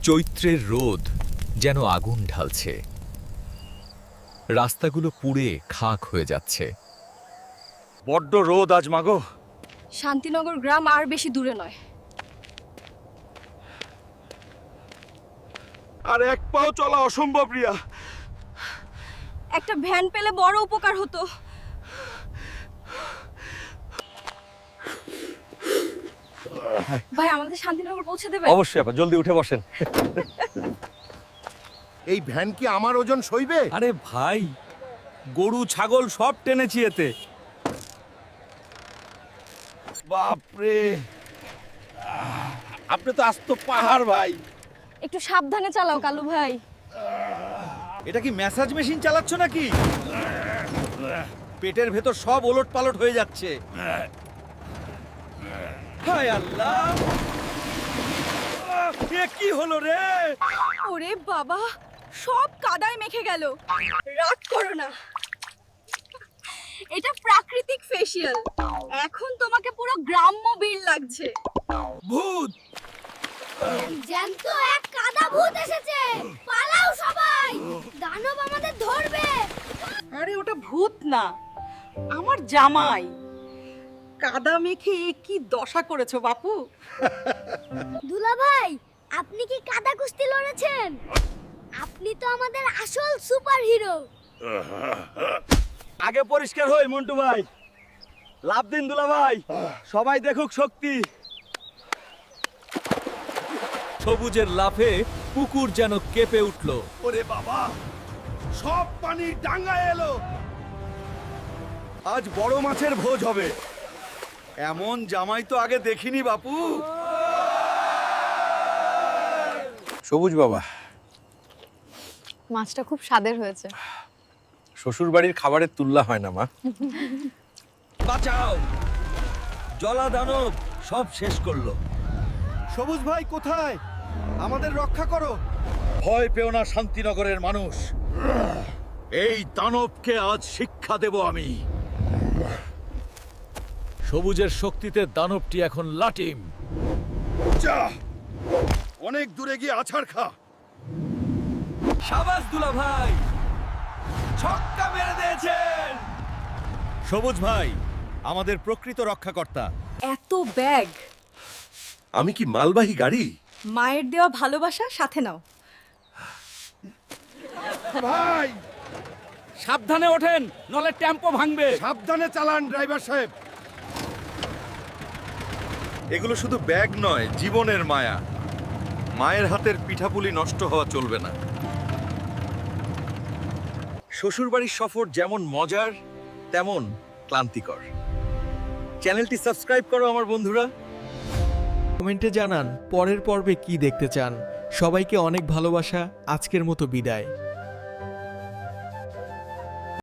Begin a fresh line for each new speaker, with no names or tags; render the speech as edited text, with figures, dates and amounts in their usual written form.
চৈত্রের রোদ যেন আগুন ঢালছে, রাস্তাগুলো পুড়ে খাক হয়ে যাচ্ছে।
বড্ড রোদ আজ মাগো।
শান্তিনগর গ্রাম আর বেশি দূরে নয়।
আর এক পাও চলা অসম্ভব রিয়া।
একটা ভ্যান পেলে বড় উপকার হতো। ভাই আমাদের শান্তিনগর পৌঁছে দেবে?
অবশ্যই আপা, জলদি উঠে বসেন।
এই ভ্যান কি আমার ওজন সইবে?
আরে ভাই, গরু ছাগল সব টেনেছি এতে। বাপরে, আপনি তো আস্ত পাহাড় ভাই।
একটু সাবধানে চালাও কালু ভাই।
এটা কি ম্যাসাজ মেশিন চালাচ্ছ নাকি? পেটের ভেতর সব ওলট পালট হয়ে যাচ্ছে। হায় আল্লাহ, এ কি হলো রে?
ওরে বাবা, সব কাদায় মেখে গেল। রাগ করো না, এটা প্রাকৃতিক ফেসিয়াল। এখন তোমাকে পুরো গ্রাম্য বীর লাগছে।
ভূত!
জ্যান্ত এক কাদা ভূত এসেছে, পালাও সবাই, দানব আমাদের ধরবে।
আরে ওটা ভূত না, আমার জামাই। কাদা মেখে এ কি দশা করেছো বাপু?
দুলা ভাই, আপনি কি কাদা কুস্তি লড়েছেন? আপনি তো আমাদের আসল সুপার হিরো।
আগে পরিষ্কার হই মন্টু ভাই। লাভ দিন দুলা ভাই, সবাই দেখুক শক্তি।
সবুজের লাফে পুকুর যেন কেঁপে উঠল।
ওরে বাবা, সব পানি ডাঙ্গায় এলো। আজ বড় মাছের ভোজ হবে। এমন জামাই তো আগে দেখিনি বাপু।
সবুজ বাবা,
মাছটা খুব স্বাদের হয়েছে।
শ্বশুর বাড়ির খাবারের তুলনা হয় না মা।
বাঁচাও, জলা দানব সব শেষ করলো। সবুজ ভাই কোথায়? আমাদের রক্ষা করো। ভয় পেও না শান্তিনগরের মানুষ, এই দানবকে আজ শিক্ষা দেব আমি।
সবুজের শক্তিতে দানবটি এখন লাটিম।
যা, অনেক দূরে গিয়ে আছাড় খা। সাবাস দুলা ভাই, ছক্কা মেরে দিয়েছেন। সবুজ ভাই আমাদের প্রকৃত রক্ষাকর্তা।
এত ব্যাগ,
আমি কি মালবাহী গাড়ি?
মায়ের দেওয়া ভালোবাসা সাথে নাও।
ভাই সাবধানে ওঠেন, নলে টেম্পো ভাঙবে। সাবধানে চালান ড্রাইভার সাহেব। এগুলো শুধু ব্যাগ নয়, জীবনের মায়া। মায়ের হাতের পিঠাপুলি নষ্ট হওয়া চলবে না। শ্বশুরবাড়ির সফর যেমন মজার তেমন ক্লান্তিকর। চ্যানেলটি সাবস্ক্রাইব করো আমার বন্ধুরা।
কমেন্টে জানান পরের পর্বে কি দেখতে চান। সবাইকে অনেক ভালোবাসা। আজকের মতো বিদায়।